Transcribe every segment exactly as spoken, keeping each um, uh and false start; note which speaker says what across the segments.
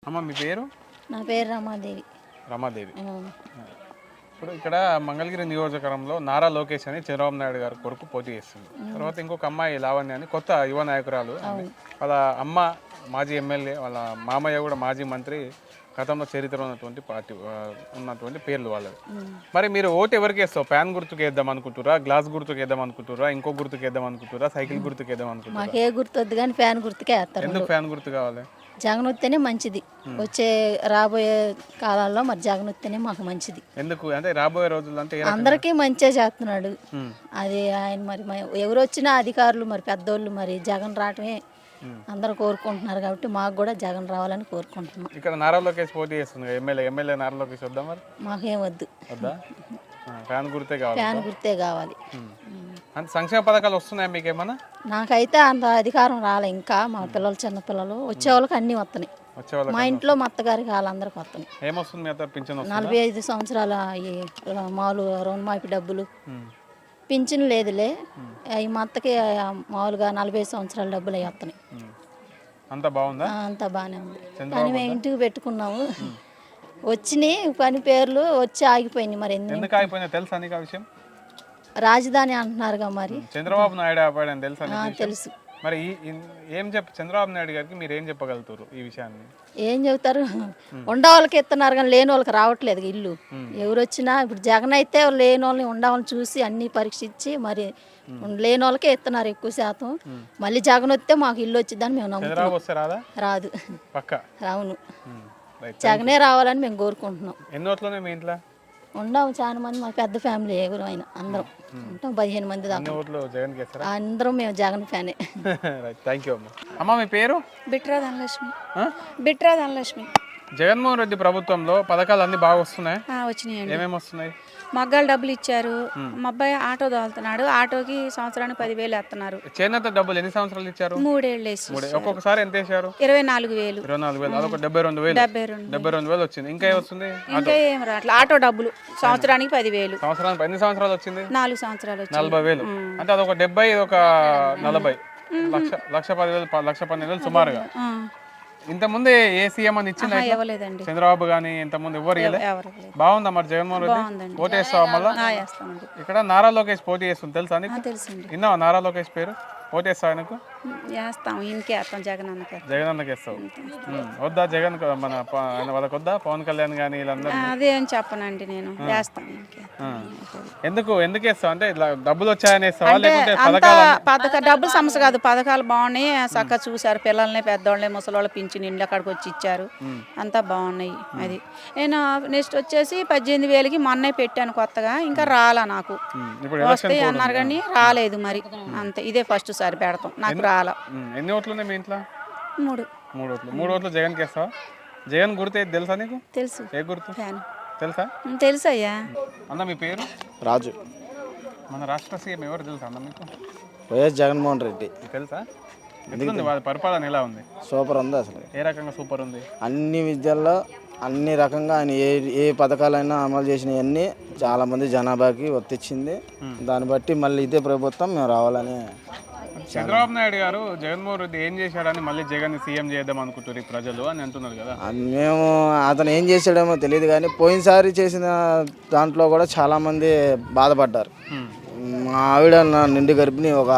Speaker 1: అమ్మ మీ పేరు?
Speaker 2: నా పేరు రమాదేవి.
Speaker 1: రమాదేవి.
Speaker 2: ఆ.
Speaker 1: ఇప్పుడు ఇక్కడ మంగళగిరి నియోజకవర్గంలో నారా లోకేష్ అని చంద్రబాబు నాయుడు గారి కొరకు పోటీ చేస్తుంది. తర్వాత ఇంకొక అమ్మాయి లావణ్య అని కొత్త యువ నాయకురాలు. వాళ్ళ అమ్మ మాజీ ఎమ్మెల్యే, వాళ్ళ మామయ్య కూడా మాజీ మంత్రి, గతంలో చరిత్ర ఉన్నటువంటి పార్టీ ఉన్నటువంటి పేర్లు వాళ్ళవి. మరి మీరు ఓటు ఎవరికి వేస్తావు? ఫ్యాన్ గుర్తుకు వేద్దాం అనుకుంటురా, గ్లాస్ గుర్తుకు వేద్దాం అనుకుంటురా, ఇంకో గుర్తుకు వేద్దాం అనుకుంటురా, సైకిల్ గుర్తుకు వేద్దాం అనుకుంటురా?
Speaker 2: మాకు ఏ గుర్తు వద్దు కానీ ఫ్యాన్ గుర్తుకే వేస్తారు.
Speaker 1: ఎందుకు ఫ్యాన్ గుర్తు కావాలి?
Speaker 2: జగన్ వస్తేనే మంచిది. వచ్చే రాబోయే కాలాల్లో మరి జగన్ వస్తేనే మాకు మంచిది.
Speaker 1: ఎందుకు అంటే రాబోయే రోజుల్లో అంటే
Speaker 2: అందరికీ మంచిగా చేస్తున్నాడు. అది ఆయన మరి ఎవరు వచ్చినా అధికారులు మరి పెద్దోళ్ళు మరి జగన్ రావటమే అందరూ కోరుకుంటున్నారు కాబట్టి మాకు కూడా జగన్ రావాలని కోరుకుంటున్నాం.
Speaker 1: ఇక్కడ నారా లోకేష్ పోటీ చేస్తుంది, ఎమ్మెల్యే ఎమ్మెల్యే నారా లోకేష్ వద్దా? మరి
Speaker 2: మాకేం వద్దు,
Speaker 1: వద్దా? ఫ్యాన్ గుర్తే కావాలి.
Speaker 2: ఫ్యాన్ గుర్తే కావాలి.
Speaker 1: అంటే సంక్షేమ పథకాలు వస్తున్నాయి మీకు ఏమన్నా?
Speaker 2: నాకైతే అంత అధికారం రాలే ఇంకా. మా పిల్లలు చిన్న పిల్లలు వచ్చే వాళ్ళకి అన్నీ వస్తున్నాయి. మా ఇంట్లో మా అత్తగారికి వాళ్ళందరికి వస్తున్నాయి.
Speaker 1: ఏమొస్తుంది మీ అత్త? పింఛన్
Speaker 2: నలభై ఐదు సంవత్సరాల ఈ మామూలు రుణమాఫీ డబ్బులు. పింఛన్ లేదులే, ఈ మా అత్తకి మామూలుగా నలభై ఐదు సంవత్సరాల డబ్బులు అవి వస్తున్నాయి.
Speaker 1: అంత బాగుందా?
Speaker 2: అంత బాగానే ఉంది. కానీ మేము ఇంటికి పెట్టుకున్నాము, వచ్చినాయి పని పేర్లు వచ్చి ఆగిపోయినాయి. మరి
Speaker 1: ఎందుకు ఆగిపోయినా తెలుసా నీకు ఆ విషయం?
Speaker 2: రాజధాని అంటున్నారుగా మరి.
Speaker 1: చంద్రబాబు నాయుడు ఆపాడని తెలుసా?
Speaker 2: తెలుసు.
Speaker 1: మరి ఏం చెప్ప చంద్రబాబు నాయుడు గారికి మీరు ఏం చెప్పగలుగుతారు ఈ విషయాన్ని?
Speaker 2: ఏం చెబుతారు, ఉండవాళ్ళకి ఇస్తున్నారు కానీ లేని వాళ్ళకి రావట్లేదు ఇల్లు. ఎవరు వచ్చినా ఇప్పుడు జగన్ అయితే లేని వాళ్ళని ఉండవాళ్ళని చూసి అన్ని పరీక్షించి మరి లేని వాళ్ళకే ఇస్తున్నారు ఎక్కువ శాతం. మళ్ళీ జగన్ వస్తే మాకు ఇల్లు వచ్చిందని మేము నమ్ముతున్నాం. రాదు. అవును, జగనే రావాలని మేము కోరుకుంటున్నాం.
Speaker 1: ఎన్ని ఓట్లున్నాయి మీ ఇంట్లో?
Speaker 2: ఉండవు చాలా మంది, మా పెద్ద ఫ్యామిలీ ఎవరు అయినా అందరం ఉంటాం, పదిహేను మంది దాకా. అందరం మేము జగన్ ఫ్యానే.
Speaker 1: అమ్మ మీ పేరు?
Speaker 3: బిట్రా ధనలక్ష్మి. బిట్రా ధనలక్ష్మి.
Speaker 1: జగన్మోహన్ రెడ్డి ప్రభుత్వంలో పథకాలు అన్ని బాగా వస్తున్నాయి.
Speaker 3: వచ్చినాయండి.
Speaker 1: ఏమేమి వస్తున్నాయి?
Speaker 3: మగ్గాలు డబ్బులు ఇచ్చారు. మా అబ్బాయి ఆటో తోలుతున్నాడు, ఆటోకి సంవత్సరానికి పదివేలు వేస్తున్నారు.
Speaker 1: చేనేత డబ్బులు ఎన్ని సంవత్సరాలు ఇచ్చారు?
Speaker 3: మూడేళ్ళు వేసి.
Speaker 1: ఒక్కొక్కసారి ఎంత వేసారు?
Speaker 3: ఇరవై నాలుగు వేలు.
Speaker 1: ఇరవై నాలుగు వేలు అదొక డెబ్బై రెండు వేలు.
Speaker 3: డెబ్బై రెండు
Speaker 1: డెబ్బై రెండు వేలు వచ్చింది. ఇంకా వస్తుంది?
Speaker 3: ఇంకా ఏం రావట్లేదు. ఆటో డబ్బులు సంవత్సరానికి పదివేలు.
Speaker 1: సంవత్సరానికి ఎన్ని సంవత్సరాలు వచ్చింది?
Speaker 3: నాలుగు సంవత్సరాలు.
Speaker 1: నలభై వేలు. అంటే అదొక డెబ్బై, ఒక నలభై, లక్ష లక్ష పదివేలు, లక్ష పన్నెండు వేలు సుమారుగా. ఇంత ముందే ఏ సీఎం అని ఇచ్చింది చంద్రబాబు గానీ ఇంత ముందు ఎవరు బాగుందా? మరి జగన్మోహన్ రెడ్డి పోటీ చేస్తావా మళ్ళా? ఇక్కడ నారా లోకేష్ పోటీ చేస్తుంది తెలుసా నీకు? విన్నావా నారా లోకేష్ పేరు? పోటీ చేస్తావా ఆయనకు? జగన్ అన్నకి వేస్తావు. వద్దా జగన్ మన వాళ్ళకి వద్దా పవన్ కళ్యాణ్ గానీ వీళ్ళందరూ?
Speaker 3: అదేం చెప్పనండి నేను.
Speaker 1: ఎందుకు ఎందుకు వేస్తావు? అంటే ఇట్లా డబ్బులు వచ్చాయని వేస్తావా లేకుంటే
Speaker 3: పథక డబ్బులు సమస్య కాదు, పథకాలు బాగున్నాయి. చక్కగా చూసారు పిల్లల్ని, పెద్దవాళ్ళని, ముసలి పింఛన్ ఇండ్లు అక్కడికి వచ్చి ఇచ్చారు, అంతా బాగున్నాయి. అది నేను నెక్స్ట్ వచ్చేసి పద్దెనిమిది వేలకి మొన్నే పెట్టాను కొత్తగా, ఇంకా రాలా నాకు. వస్తాయి అన్నారు కానీ రాలేదు. మరి అంతే, ఇదే ఫస్ట్ సారి పెడతాం, నాకు రాలా.
Speaker 1: ఎన్ని ఓట్లు ఉన్నాయి మీ ఇంట్లో?
Speaker 3: మూడు.
Speaker 1: మూడు ఓట్లు. మూడు ఓట్లు జగన్కి వేస్తావా? జగన్ గుర్తు ఏది తెలుసా నీకు?
Speaker 3: తెలుసు.
Speaker 1: ఏ గుర్తు తెలుసా?
Speaker 3: తెలుసు అయ్యా.
Speaker 1: అన్న మీ పేరు?
Speaker 4: రాజు.
Speaker 1: మన రాష్ట్ర సీఎం ఎవరు తెలుసా అన్న మీకు?
Speaker 4: వైఎస్ జగన్మోహన్ రెడ్డి.
Speaker 1: తెలుసా? ఎందుకు వాళ్ళ పరిపాలన ఎలా ఉంది?
Speaker 4: సూపర్ ఉంది అసలు.
Speaker 1: ఏ రకంగా సూపర్ ఉంది?
Speaker 4: అన్ని విద్యల్లో అన్ని రకంగా ఆయన ఏ ఏ పథకాలైనా అమలు చేసినవన్నీ చాలా మంది జనాభాకి వర్తించింది. దాన్ని బట్టి మళ్ళీ ఇదే ప్రభుత్వం మేము రావాలని.
Speaker 1: చంద్రబాబు నాయుడు గారు జగన్మోహన్ రెడ్డి ఏం చేశాడని మళ్ళీ జగన్ సీఎం చేద్దాం అనుకుంటారు ప్రజలు అని అంటున్నారు కదా.
Speaker 4: మేము అతను ఏం చేశాడేమో తెలియదు కానీ పోయినసారి చేసిన దాంట్లో కూడా చాలా మంది బాధపడ్డారు. మా ఆవిడ నా నిండు గర్భిణి ఒక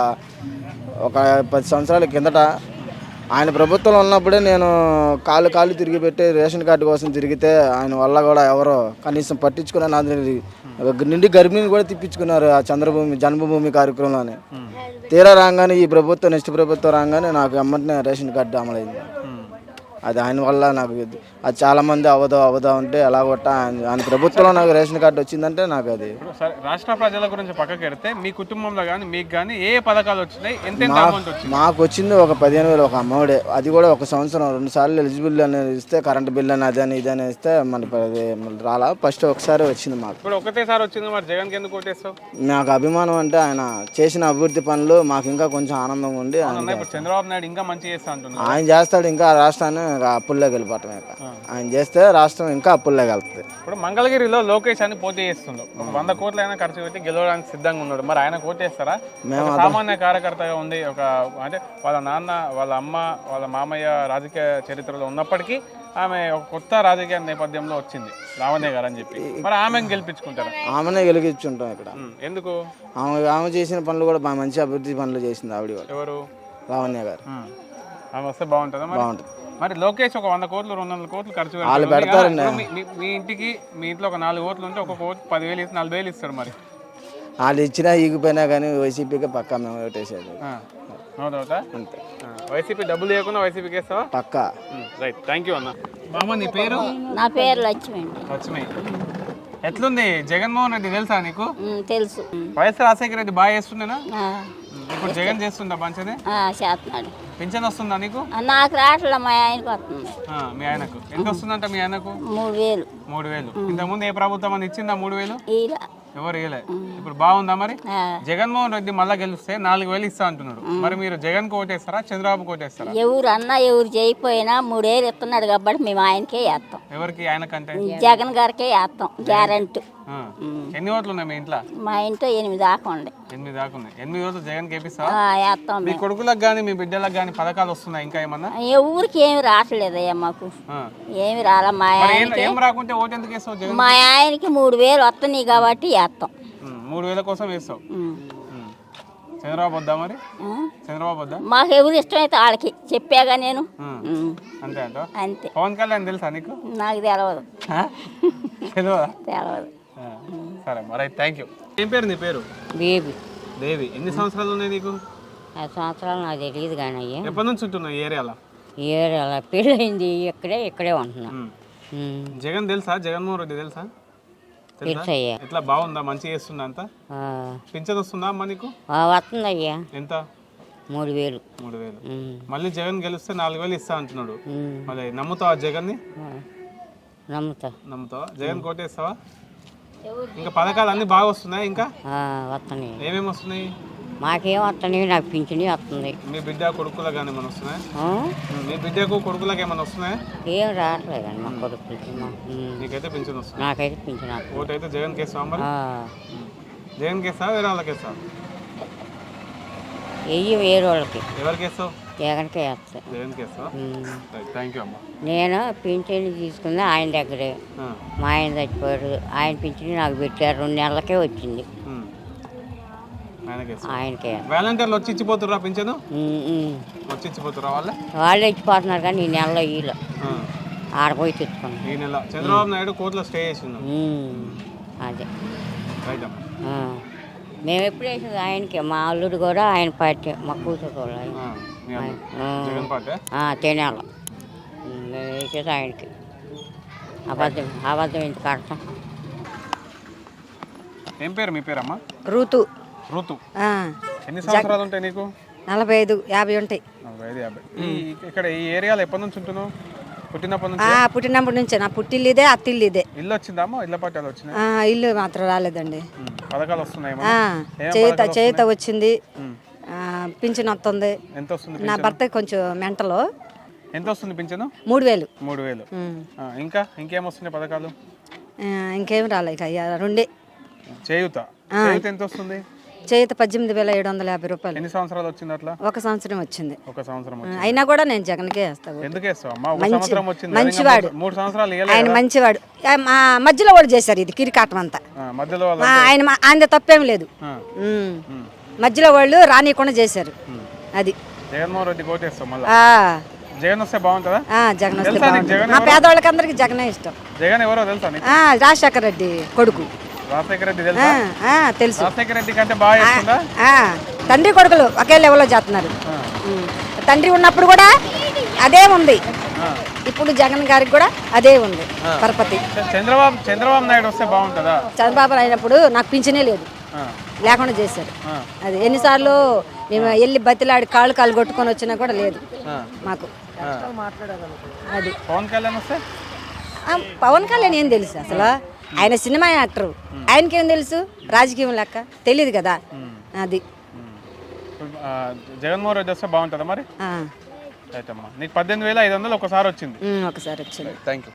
Speaker 4: ఒక పది సంవత్సరాల కిందట ఆయన ప్రభుత్వంలో ఉన్నప్పుడే నేను కాళ్ళు కాళ్ళు తిరిగి పెట్టి రేషన్ కార్డు కోసం తిరిగితే ఆయన వల్ల కూడా ఎవరో కనీసం పట్టించుకున్న నా నిండి గర్భిణిని కూడా తిప్పించుకున్నారు ఆ చంద్రభూమి జన్మభూమి కార్యక్రమంలోనే. తీరా రాగానే ఈ ప్రభుత్వం నెక్స్ట్ ప్రభుత్వం రాగానే నాకు వెంటనే రేషన్ కార్డు అమలైంది. అది ఆయన వల్ల నాకు అది చాలా మంది అవదో అవదో అంటే ఎలా కొట్ట ఆయన ప్రభుత్వంలో నాకు రేషన్ కార్డు వచ్చిందంటే నాకు అది.
Speaker 1: రాష్ట్ర ప్రజల గురించి పక్కకి పెడితే మీ కుటుంబంలో కానీ మీకు కానీ ఏ పథకాలు వచ్చినాయి?
Speaker 4: మాకు వచ్చింది ఒక పదిహేను వేలు ఒక అమ్మఒడే, అది కూడా ఒక సంవత్సరం రెండు సార్లు ఎలిజిబుల్ అనేది ఇస్తే కరెంట్ బిల్ అని అదని ఇదని ఇస్తే మనకి రాలా. ఫస్ట్ ఒకసారి వచ్చింది మాకు.
Speaker 1: ఇప్పుడు ఒకటేసారి వచ్చింది. మరి జగన్ ఎందుకు కొట్టేస్తావు?
Speaker 4: నాకు అభిమానం అంటే ఆయన చేసిన అభివృద్ధి పనులు మాకు ఇంకా కొంచెం ఆనందంగా ఉండి.
Speaker 1: చంద్రబాబు నాయుడు ఇంకా మంచి చేస్తా అంటున్నారు.
Speaker 4: ఆయన చేస్తాడు, ఇంకా రాష్ట్రాన్ని అప్పుల్లోకి వెళ్ళిపోవటం. ఆయన చేస్తే రాష్ట్రం ఇంకా అప్పుల్లోకి వెళ్తుంది.
Speaker 1: ఇప్పుడు మంగళగిరిలో లోకేష్ అని పోటీ చేస్తున్నాడు. వంద కోట్ల అయినా ఖర్చు పెట్టి గెలవడానికి సిద్ధంగా ఉన్నాడు. మరి ఆయన కోట్ చేస్తారా? మేము సామాన్య కార్యకర్తగా ఉంది, ఒక అంటే వాళ్ళ నాన్న వాళ్ళ అమ్మ వాళ్ళ మామయ్య రాజకీయ చరిత్రలో ఉన్నప్పటికీ ఆమె ఒక కొత్త రాజకీయ నేపథ్యంలో వచ్చింది లావణ్య గారు అని చెప్పి, మరి ఆమెను గెలిపించుకుంటారు.
Speaker 4: ఆమెనే గెలిపించుంటాం ఇక్కడ.
Speaker 1: ఉమ్, ఎందుకు?
Speaker 4: ఆమె ఆమె చేసిన పనులు కూడా బాగా మంచి అభివృద్ధి పనులు చేసింది ఆవిడ కూడా.
Speaker 1: ఎవరు?
Speaker 4: లావణ్య గారు.
Speaker 1: ఉమ్, ఆమె వస్తే బాగుంటుందా? మరి
Speaker 4: బాగుంటుంది.
Speaker 1: మరి లోకేష్ ఒక వంద కోట్లు రెండు వందల కోట్లు ఖర్చు
Speaker 4: వాళ్ళు
Speaker 1: పెడతారు.
Speaker 4: పెడతారండి.
Speaker 1: మీ- మీ- మీ ఇంటికి మీ ఇంట్లో ఒక నాలుగు కోట్లు ఉంటే ఒక కోటి పదివేలు ఇస్తే నలభై వేలు ఇస్తాడు. మరి
Speaker 4: వాళ్ళు ఇచ్చినా ఈగిపోయినా కానీ వైసీపీకి పక్కా మేము ఓటేసేది
Speaker 1: అవుతా
Speaker 4: అంతే.
Speaker 1: వైసీపీ డబ్బులు లేకుండా వైసీపీకి వేస్తావా?
Speaker 4: పక్కా.
Speaker 1: రైట్, థ్యాంక్ యూ అన్న. మామ నీ పేరు?
Speaker 2: నా పేరు లక్ష్మి అండి.
Speaker 1: లక్ష్మి. ఎట్లుంది జగన్మోహన్ రెడ్డి తెలుసా నీకు?
Speaker 2: తెలుసు.
Speaker 1: వైఎస్ రాజశేఖర రెడ్డి బాగా చేస్తుండేనా? ఇప్పుడు జగన్ చేస్తుందా మంచిదే?
Speaker 2: చేస్తున్నాడు.
Speaker 1: పింఛన్ వస్తుందా నీకు?
Speaker 2: నాకు రావట్లే, మా ఆయనకు వస్తుంది.
Speaker 1: ఆ, మీ ఆయనకు ఎంత వస్తుందంట? మీ ఆయనకు
Speaker 2: మూడు వేలు.
Speaker 1: మూడు వేలు. ఇంతకుముందు ఏ ప్రభుత్వం అని ఇచ్చిందా మూడు వేలు?
Speaker 2: ఇలా
Speaker 1: ఎవరు ఇవ్వలే. ఇప్పుడు బాగుందా మరి? జగన్మోహన్ రెడ్డి మళ్ళా గెలిస్తే నాలుగు వేలు ఇస్తా అంటున్నాడు. మరి మీరు జగన్ కోటేస్తారా చంద్రబాబు కోటేస్తారా?
Speaker 2: ఎవరు అన్నా ఎవరు చేయకపోయినా మూడేళ్ళు ఇస్తున్నాడు కాబట్టి మేము ఆయనకే వేస్తాం.
Speaker 1: ఎవరికి? ఆయనకంటే
Speaker 2: జగన్ గారికే వేస్తాం గ్యారంటీ.
Speaker 1: ఆ. ఎన్ని ఓట్లు ఉన్నాయి మీ ఇంట్లో?
Speaker 2: మా ఇంట్లో ఎనిమిది దాకా ఉండే.
Speaker 1: ఎనిమిది దాకా ఉన్నాయి. ఎనిమిది ఓట్లు జగన్ కేపిస్తావా?
Speaker 2: వేస్తాం.
Speaker 1: మీ కొడుకులకు కానీ మీ బిడ్డలకు కానీ పథకాలు వస్తున్నాయి ఇంకా ఏమన్నా?
Speaker 2: ఎవరికి ఏమి రావట్లేదయ్యా మాకు.
Speaker 1: ఆ.
Speaker 2: ఏమి రాలా. మా
Speaker 1: మరి ఏం-
Speaker 2: ఆయనకి
Speaker 1: ఏం రాకుంటే ఓటు ఎందుకు వేస్తావు జగన్?
Speaker 2: మా ఆయనకి మూడు వేలు వస్తున్నాయి కాబట్టి వేస్తాం.
Speaker 1: ఉమ్, మూడు వేల కోసం వేస్తావు. ఉమ్. చంద్రబాబు వద్దా మరి? చంద్రబాబు వద్దా?
Speaker 2: మాకు ఎవరు ఇష్టమైతే వాళ్ళకి చెప్పాగా నేను.
Speaker 1: ఉమ్. అంతే అంట.
Speaker 2: అంతే.
Speaker 1: పవన్ కళ్యాణ్ తెలుసా నీకు?
Speaker 2: నాకు తెలవదు.
Speaker 1: తెలియదా?
Speaker 2: తెలవదు.
Speaker 1: ఆ. సరే మరి థ్యాంక్ యూ. ఏం పేరు నీ పేరు?
Speaker 2: బేబీ.
Speaker 1: దేవి. ఎన్ని సంవత్సరాలు ఉన్నాయి నీకు?
Speaker 2: ఆ సంవత్సరాలు నాకు తెలియదు కానీ అయ్యా.
Speaker 1: ఎప్పటి నుంచి ఉంటున్నావు ఈ ఏరియాలో?
Speaker 2: ఏడు అలా పెళ్ళయింది ఇక్కడే ఇక్కడే ఉంటున్నా.
Speaker 1: ఉమ్. జగన్ తెలుసా? జగన్మోహన్ రెడ్డి తెలుసా? తెలుసా?
Speaker 2: తెలుసయ్యా.
Speaker 1: ఎట్లా బాగుందా? మంచిగా చేస్తుందా? అంతా పింఛన్ వస్తుందా అమ్మా నీకు?
Speaker 2: వస్తుందయ్యా.
Speaker 1: ఎంత?
Speaker 2: మూడు వేలు.
Speaker 1: మూడు వేలు. మళ్ళీ జగన్ గెలిస్తే నాలుగు వేలు ఇస్తా అంటున్నాడు. మళ్ళీ నమ్ముతావా జగన్ని?
Speaker 2: నమ్ముతా.
Speaker 1: నమ్ముతావా? జగన్ కోటేస్తావా? ఇంకా పథకాలు అన్ని బాగా వస్తున్నాయి. ఇంకా
Speaker 2: వస్తున్నాయి.
Speaker 1: ఏమేమి వస్తున్నాయి?
Speaker 2: మాకేం వస్తున్నాయి, నాకు పింఛని వస్తుంది.
Speaker 1: మీ బిడ్డ కొడుకులకు కానీ ఏమైనా వస్తున్నాయి? మీ బిడ్డకు కొడుకులకు ఏమైనా వస్తున్నాయి?
Speaker 2: ఏం రావట్లేదండి మా కొడుకులకి.
Speaker 1: నీకైతే పింఛన్ వస్తుంది.
Speaker 2: నాకైతే పింఛన్ వస్తుంది.
Speaker 1: ఓటు అయితే జగన్ కేస్తావా మరి? జగన్ కేస్తావా వేరే వాళ్ళకి వేస్తావా?
Speaker 2: వెయ్యి వేరే వాళ్ళకి.
Speaker 1: ఎవరికి వేస్తావు?
Speaker 2: జగన్కే వేస్తా.
Speaker 1: జగన్ కేస్తావా? థ్యాంక్ యూ అమ్మా.
Speaker 2: నేను పింఛని తీసుకుంది ఆయన దగ్గరే. మా ఆయన చచ్చిపోయాడు. ఆయన పింఛని నాకు పెట్టారు. రెండు నెలలకే వచ్చింది. ఆయనకే.
Speaker 1: వాలంటీర్లు వచ్చి ఇచ్చిపోతుర్రా పింఛను? వచ్చి ఇచ్చిపోతురా వాళ్ళే?
Speaker 2: వాళ్ళే ఇచ్చిపోతున్నారు కానీ ఈ నెలలో వీళ్ళు ఆడపోయి తెచ్చుకున్నాం.
Speaker 1: ఈ నెల చంద్రబాబు నాయుడు కోర్టులో స్టే చేసిండు.
Speaker 2: అదే
Speaker 1: రైట్ అమ్మా.
Speaker 2: మేము ఎప్పుడు వేసేది ఆయనకి. మా అల్లుడు కూడా ఆయన పార్టీ, మా కూతురు కూడా
Speaker 1: జగన్ పార్టీ
Speaker 2: తినాల. మేము వేసేది ఆయనకి. అబద్ధం అబద్ధం ఎందుకు కడతాం.
Speaker 1: ఏం పేరు మీ పేరమ్మా?
Speaker 5: ఋతు.
Speaker 1: ఋతు. ఎన్ని సంవత్సరాలు ఉంటాయి నీకు?
Speaker 5: నలభై ఐదు యాభై ఉంటాయి.
Speaker 1: నలభై ఐదు యాభై. ఇక్కడ ఈ ఏరియాలో ఎప్పటి నుంచి ఉంటున్నావు? పుట్టినప్పటి నుంచి?
Speaker 5: పుట్టినప్పటి నుంచే. నా పుట్టిల్లు ఇదే, అత్తిల్లు ఇదే.
Speaker 1: ఇల్లు వచ్చిందమ్మా? ఇళ్ళ పట్టాలు వచ్చినాయి?
Speaker 5: ఇల్లు మాత్రం రాలేదండి.
Speaker 1: పథకాలు వస్తున్నాయి?
Speaker 5: చేత చేత వచ్చింది, పింఛన్ వస్తుంది.
Speaker 1: ఎంత వస్తుంది?
Speaker 5: నా భర్త కొంచెం మెంటలో.
Speaker 1: ఎంత వస్తుంది పింఛను?
Speaker 5: మూడు వేలు.
Speaker 1: మూడు వేలు. ఇంకా ఇంకేం వస్తున్నాయి పథకాలు?
Speaker 5: ఇంకేం రాలే. ఇక అయ్యా రెండే.
Speaker 1: చేయూత. చేయూత ఎంత వస్తుంది?
Speaker 5: చేయూత పద్దెనిమిది వేల ఏడు వందల యాభై రూపాయలు.
Speaker 1: ఎన్ని సంవత్సరాలు వచ్చింది అట్లా?
Speaker 5: ఒక సంవత్సరం వచ్చింది.
Speaker 1: ఒక సంవత్సరం.
Speaker 5: అయినా కూడా నేను జగన్కే వేస్తాను.
Speaker 1: ఎందుకు వేస్తావు అమ్మా? ఒక సంవత్సరం వచ్చింది.
Speaker 5: మంచివాడు.
Speaker 1: మూడు సంవత్సరాలు
Speaker 5: ఆయన మంచివాడు. మా మధ్యలో కూడా చేశారు ఇది కిరికాటం అంతా.
Speaker 1: మధ్యలో
Speaker 5: ఆయన ఆయన తప్పేం లేదు. మధ్యలో వాళ్ళు రానియకుండా చేశారు. అది
Speaker 1: జగన్మోహన్ రెడ్డి కోటేస్తాం మళ్ళీ. జగన్ వస్తే బాగుంటుందా?
Speaker 5: జగన్ వస్తే బాగుంటుంది. మా పేదవాళ్ళకి అందరికి జగనే ఇష్టం.
Speaker 1: జగన్ ఎవరో తెలుసా నీకు?
Speaker 5: రాజశేఖర రెడ్డి కొడుకు.
Speaker 1: రాజశేఖర రెడ్డి తెలుసా?
Speaker 5: తెలుసు.
Speaker 1: రాజశేఖర రెడ్డి కంటే బాగా చేస్తుందా?
Speaker 5: తండ్రి కొడుకులు ఒకే లెవెల్లో చేస్తున్నారు. తండ్రి ఉన్నప్పుడు కూడా అదే ఉంది, ఇప్పుడు జగన్ గారికి కూడా అదే ఉంది పరపతి.
Speaker 1: చంద్రబాబు చంద్రబాబు నాయుడు వస్తే బాగుంటుందా?
Speaker 5: చంద్రబాబు అయినప్పుడు నాకు పింఛనే లేదు, లేకుండా చేశారు. అది ఎన్నిసార్లు మేము వెళ్ళి బతిలాడి కాళ్ళు కాళ్ళు కొట్టుకొని వచ్చినా కూడా లేదు మాకు. అది
Speaker 1: పవన్ కళ్యాణ్ వస్తే?
Speaker 5: పవన్ కళ్యాణ్ ఏం తెలుసు అసలు? ఆయన సినిమా యాక్టర్, ఆయనకేం తెలుసు రాజకీయం లెక్క? తెలియదు కదా. అది
Speaker 1: జగన్మోహన్ రెడ్డి వస్తే బాగుంటుందా మరి? అయితే అమ్మా నీకు పద్దెనిమిది వేల ఐదు వందలు ఒకసారి వచ్చింది.
Speaker 5: ఒకసారి వచ్చింది.
Speaker 1: Thank you.